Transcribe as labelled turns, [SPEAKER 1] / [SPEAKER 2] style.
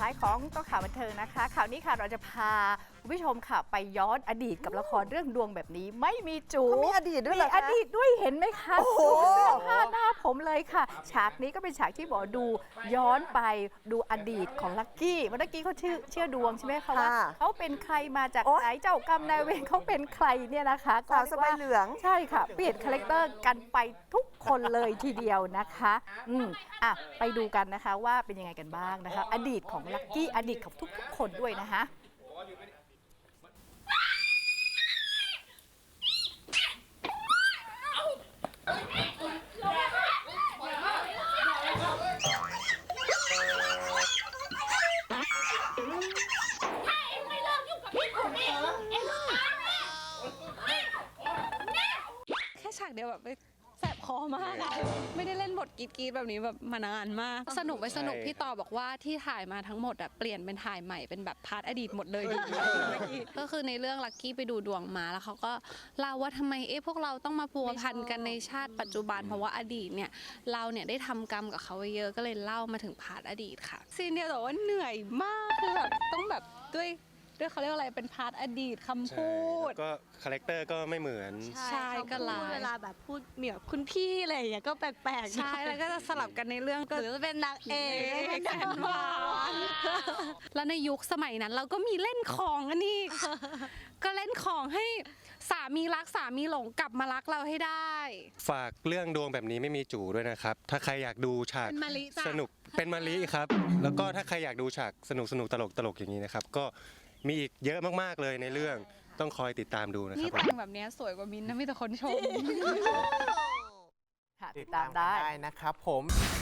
[SPEAKER 1] ายของต้องข่าวบันเทิงนะคะข่าวนี้ค่ะเราจะพาคุณผู้ชมค่ะไปย้อนอดีตกับละครเรื่องดวงแบบนี้ไม่มีจู
[SPEAKER 2] มีอดีตด้วยเหรอ
[SPEAKER 1] มี
[SPEAKER 2] คะ
[SPEAKER 1] อดีตด้วยเห็นไหมคะ
[SPEAKER 2] โอ้โห
[SPEAKER 1] ดูเสื้อผ้าหน้าผมเลยค่ะ ฉากนี้ก็เป็นฉากที่บอกดูย้อนไปดูอดีตของลักกี้วันลักกี้เขาเชื่อดวงใช่ไหมคะว่าเขาเป็นใครมาจากไหนเจ้ากรรมนายเวรเขาเป็นใครเนี่ยนะคะก็
[SPEAKER 2] สาวสบายเหลือง
[SPEAKER 1] ใช่ค่ะเปลี่ยนคาแรคเตอร์กันไปทุกคนเลยทีเดียวนะคะไปดูกันนะคะว่าเป็นยังไงกันบ้างนะคะอดีตของลักกี้อดีตของทุกๆคนด้วยนะคะ
[SPEAKER 3] แค่ฉากเดียวแบบแสบคอมากอะไม่ได้เล่นบทกรีดแบบนี้แบบมานานมากสนุกพี่ต่อบอกว่าที่ถ่ายมาทั้งหมดอะเปลี่ยนเป็นถ่ายใหม่เป็นแบบพาร์ทอดีตหมดเลยก็คือในเรื่องลักกี้ไปดูดวงมาแล้วเขาก็เล่าว่าทำไมพวกเราต้องมาพัวพันกันในชาติปัจจุบันเพราะว่าอดีตเนี่ยเราเนี่ยได้ทำกรรมกับเขาไว้เยอะก็เลยเล่ามาถึงพาร์ทอดีตค่ะซีนเดียวแต่ว่าเหนื่อยมากคือแบบต้องแบบด้วยเขาเรียกว่าอะไรเป็นพาร์ทอดีตคำพูด
[SPEAKER 4] ก็คาแรคเตอร์ก็ไม่เหมือน
[SPEAKER 3] ใช่ก็ลาย
[SPEAKER 5] เวลาแบบพูดเหมียวคุณพี่อะไรอย่างเงี้ยก็แปลกๆ
[SPEAKER 3] ใช่แล้วก็จะสลับกันในเรื่องก็
[SPEAKER 5] หรือจะเป็นนางเอก
[SPEAKER 3] แสนหวานแล้วในยุคสมัยนั้นเราก็มีเล่นของอันนี้ ก็เล่นของให้สามีรักสามีหลงกลับมารักเราให้ได้
[SPEAKER 4] ฝากเรื่องดวงแบบนี้ไม่มีจู่ด้วยนะครับ ถ้าใครอยากดูฉาก
[SPEAKER 3] เป็นมะลิจ้ะ
[SPEAKER 4] สนุกเป็นมะลิครับ แล้วก็ถ้าใครอยากดูฉากสนุกตลกอย่างนี้นะครับก็มีอีกเยอะมากๆเลยในเรื่องต้องคอยติดตามดูนะค
[SPEAKER 3] นี่
[SPEAKER 4] รับ
[SPEAKER 3] แต่งแบบนี้สวยกว่ามินท์นะมีแต่คนชม
[SPEAKER 1] ค่ะติดตามได้
[SPEAKER 2] นะครับผม